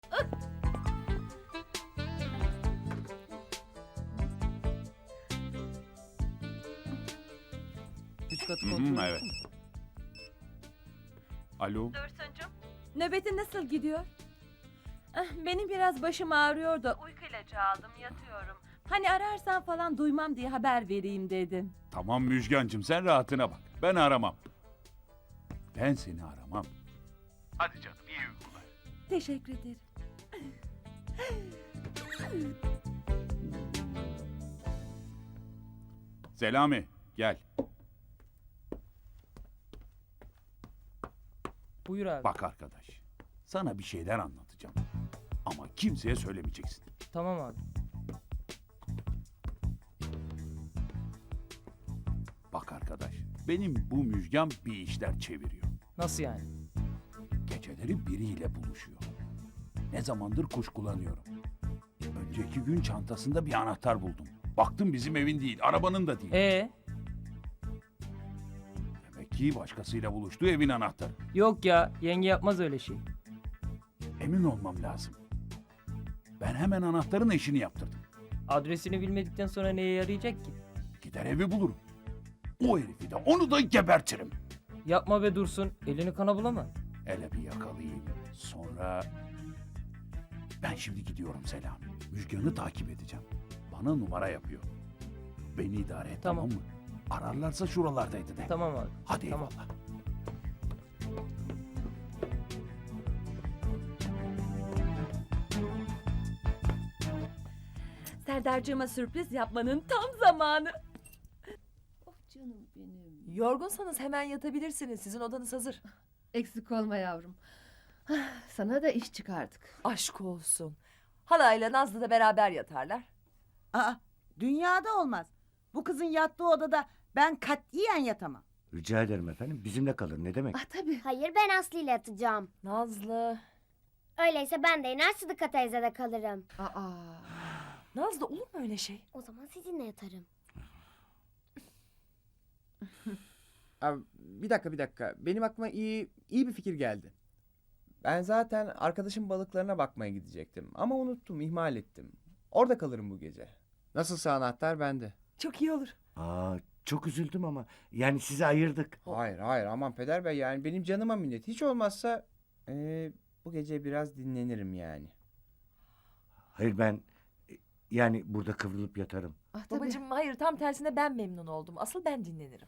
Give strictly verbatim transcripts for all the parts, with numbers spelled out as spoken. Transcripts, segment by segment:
Üst katı Hı hı, kontrol evet. ettin mi? Alo. Dursuncuğum, nöbetin nasıl gidiyor? Ah, benim biraz başım ağrıyor da uyku ilacı aldım, yatıyorum. Hani ararsan falan duymam diye haber vereyim dedim. Tamam Müjgancığım, sen rahatına bak. Ben aramam. Ben seni aramam. Hadi canım, iyi uykular. Teşekkür ederim. Selami, gel. Buyur abi. Bak arkadaş, sana bir şeyler anlatacağım. Ama kimseye söylemeyeceksin. Tamam abi. Bak arkadaş, benim bu Müjgan bir işler çeviriyor. Nasıl yani? Geceleri biriyle buluşuyor. Ne zamandır kuşkulanıyorum. Önceki gün çantasında bir anahtar buldum. Baktım bizim evin değil, arabanın da değil. Ee, Demek ki başkasıyla buluştu, evin anahtarı. yok ya, yenge yapmaz öyle şey. Emin olmam lazım. Ben hemen anahtarın eşini yaptırdım. Adresini bilmedikten sonra neye yarayacak ki? Gider evi bulurum. O herifi de onu da gebertirim. Yapma be Dursun, elini kana bulama. Hele bir yakalayayım. Sonra... Ben şimdi gidiyorum Selami. Müjgan'ı takip edeceğim. Bana numara yapıyor. Beni idare et, tamam, Tamam. mı? Ararlarsa şuralardaydı de. Tamam abi. Hadi Tamam. eyvallah. Serdar'cığıma sürpriz yapmanın tam zamanı. Oh canım benim. Yorgunsanız hemen yatabilirsiniz. Sizin odanız hazır. Eksik olma yavrum. Ah, sana da iş çıkardık. Aşk olsun. Halayla Nazlı da beraber yatarlar. Aa, dünyada olmaz. Bu kızın yattığı odada ben katiyen yatamam. Rica ederim efendim. Bizimle kalın. Ne demek? Ah tabii. Hayır, ben Aslı ile yatacağım. Nazlı. Öyleyse ben de iner Sıdıka teyzede kalırım. Aa. Nazlı olur mu öyle şey? O zaman sizinle yatarım. Abi, bir dakika bir dakika. Benim aklıma iyi iyi bir fikir geldi. Ben zaten arkadaşım balıklarına bakmaya gidecektim. Ama unuttum, ihmal ettim. Orada kalırım bu gece. Nasılsa anahtar bende. Çok iyi olur. Aa, çok üzüldüm ama. Yani sizi ayırdık. Hayır hayır aman peder bey, yani benim canıma minnet. Hiç olmazsa eee, bu gece biraz dinlenirim yani. Hayır ben e, yani burada kıvrılıp yatarım. Ah tabii. Babacığım hayır, tam tersine ben memnun oldum. Asıl ben dinlenirim.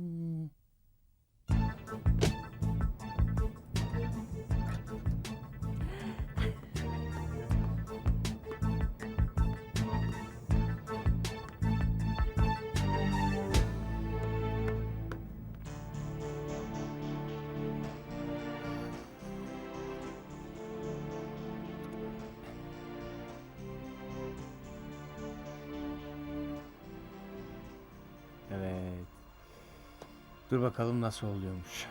Evet. Dur bakalım nasıl oluyormuş.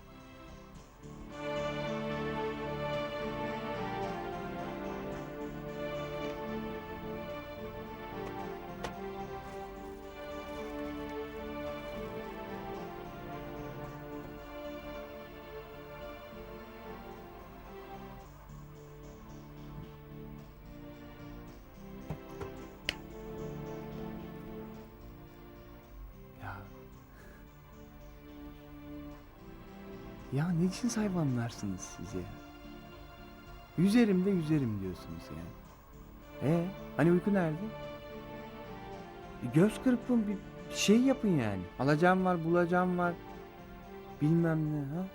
Ya. Ya ne cins hayvanlarsınız siz ya? Yüzerim de yüzerim diyorsunuz yani. E hani uyku nerede? E, göz kırpın, bir bir şey yapın yani. Alacağım var, bulacağım var. Bilmem ne ha.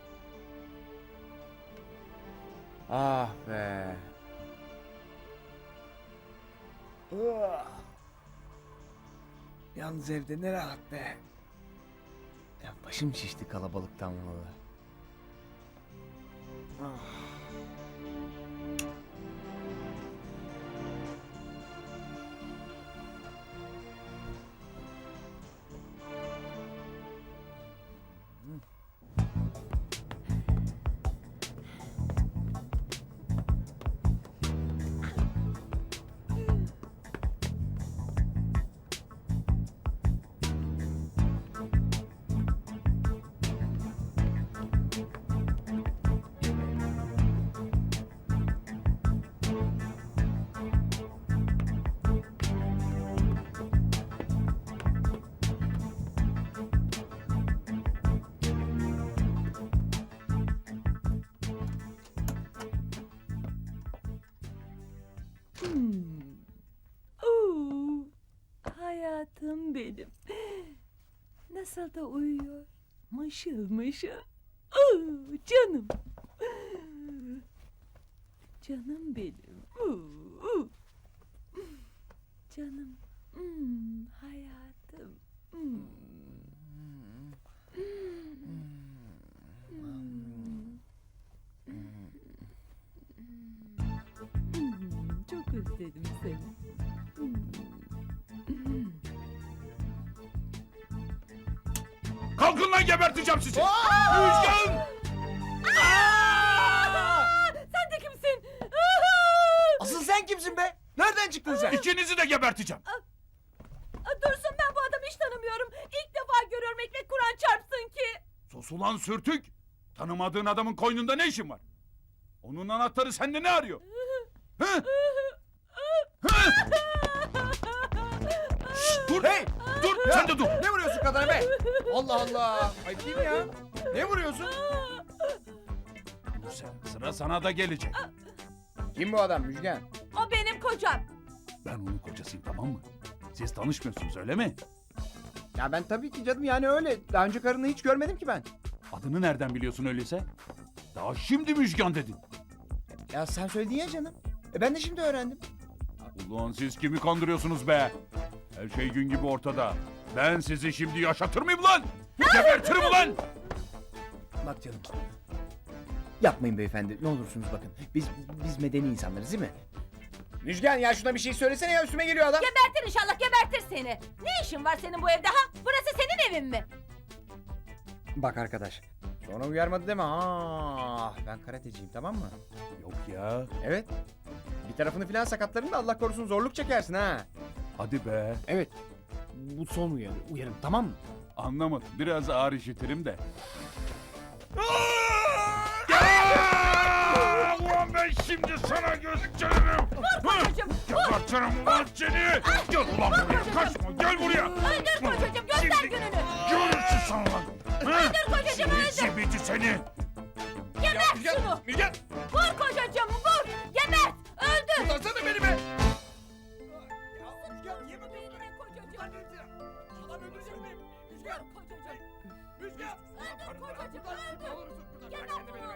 Ah be. Ah. Yalnız evde ne rahat be. Ya başım şişti kalabalıktan vallahi. Ah. Hmm. Oo, hayatım benim. Nasıl da uyuyor. Mışıl mışıl. Oo, canım. Canım benim. Oo. Canım. Hmm, hayatım. Hmm. Hmm, çok özledim seni. Kalkın lan, geberteceğim sizi. Müjgan! Sen de kimsin? Asıl sen kimsin be? Nereden çıktın sen? İkinizi de geberteceğim. Dursun, ben bu adamı hiç tanımıyorum. İlk defa görüyorum, ekmek Kur'an çarpsın ki. Sus ulan sürtük. Tanımadığın adamın koynunda ne işin var? Onun anahtarı sende ne arıyor? Hı? Hı? Şşt, dur. Hey! Dur, sen de dur. Ne vuruyorsun kadına be? Allah Allah. Ayıp değil mi ya? Ne vuruyorsun? Bu sefer sıra sana da gelecek. Kim bu adam Müjgan? O benim kocam. Ben onun kocasıyım, tamam mı? Siz tanışmıyorsunuz, öyle mi? Ya ben tabii ki canım, yani öyle. Daha önce karını hiç görmedim ki ben. Adını nereden biliyorsun öyleyse? Daha şimdi Müjgan dedin. Ya sen söyledin ya canım. E ben de şimdi öğrendim. Ulan siz kimi kandırıyorsunuz be? Her şey gün gibi ortada. Ben sizi şimdi yaşatır mıyım lan? Gebertirim ulan! Bak canım. Yapmayın beyefendi, ne olursunuz bakın. Biz biz medeni insanlarız değil mi? Müjgan, ya şuna bir şey söylesene ya, üstüme geliyor adam. Gebertir inşallah, gebertir seni. Ne işin var senin bu evde ha? Burası senin evin mi? Bak arkadaş, sonra uyarmadı deme. Ha, ben karateciyim, tamam mı? Yok ya. Evet. Bir tarafını filan sakatlarım da Allah korusun zorluk çekersin ha. Hadi be. Evet. Bu son uyarı, uyarım, tamam mı? Anlamadım. Biraz ağır işitirim de. Ulan ben şimdi sana gösteririm. Kocacığım, Gebertirim ulan seni. Gel ulan buraya. Kaçma. Gel buraya. öldür kocacığım, göster Şimdi gününü. görürsün sen lan. Öldür kocacığım, öldür. Zibidi seni. Gebert şunu. Müjgan, Vur kocacığım, vur. Gebert, öldür. kurtarsana beni be. Adam öldürecek miyim? Müjgan. Kocacığım. Müjgan. Öldür kocacığım, öldür. Gebert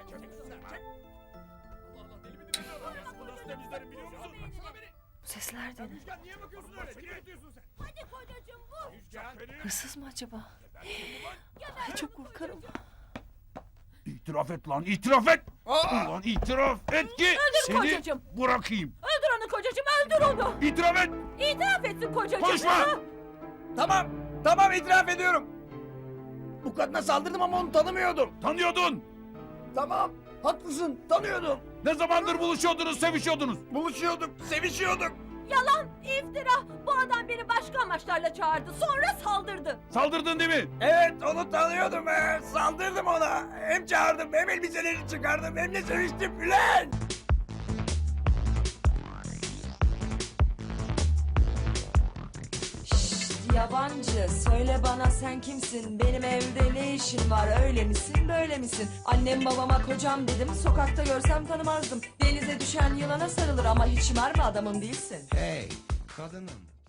Bu sesler de ne? Niye bakıyorsun öyle? Niye ötüyorsun sen? Hadi kocacığım, vur. Hırsız mı acaba? Ay, çok korkarım. İtiraf et lan, itiraf et. Ulan itiraf et ki seni kocacığım. bırakayım. Öldür onu kocacığım, öldür onu. İtiraf et. İtiraf etsin kocacığım. Konuşma. Tamam, tamam itiraf ediyorum. Bu kadına saldırdım ama onu tanımıyordum. Tanıyordun. Tamam, haklısın, tanıyordum. Ne zamandır buluşuyordunuz, sevişiyordunuz? Buluşuyorduk, sevişiyorduk. Yalan, iftira. Bu adam beni başka amaçlarla çağırdı. Sonra saldırdı. Saldırdın değil mi? Evet, onu tanıyordum be. Saldırdım ona. Hem çağırdım, hem elbiselerini çıkardım, hem de seviştim Bülent. Yabancı, söyle bana sen kimsin? Benim evde ne işin var? Öyle misin, böyle misin? Annem babama kocam dedim, sokakta görsem tanımazdım. Denize düşen yılana sarılır ama hiç mermi adamım değilsin. Hey kadınım,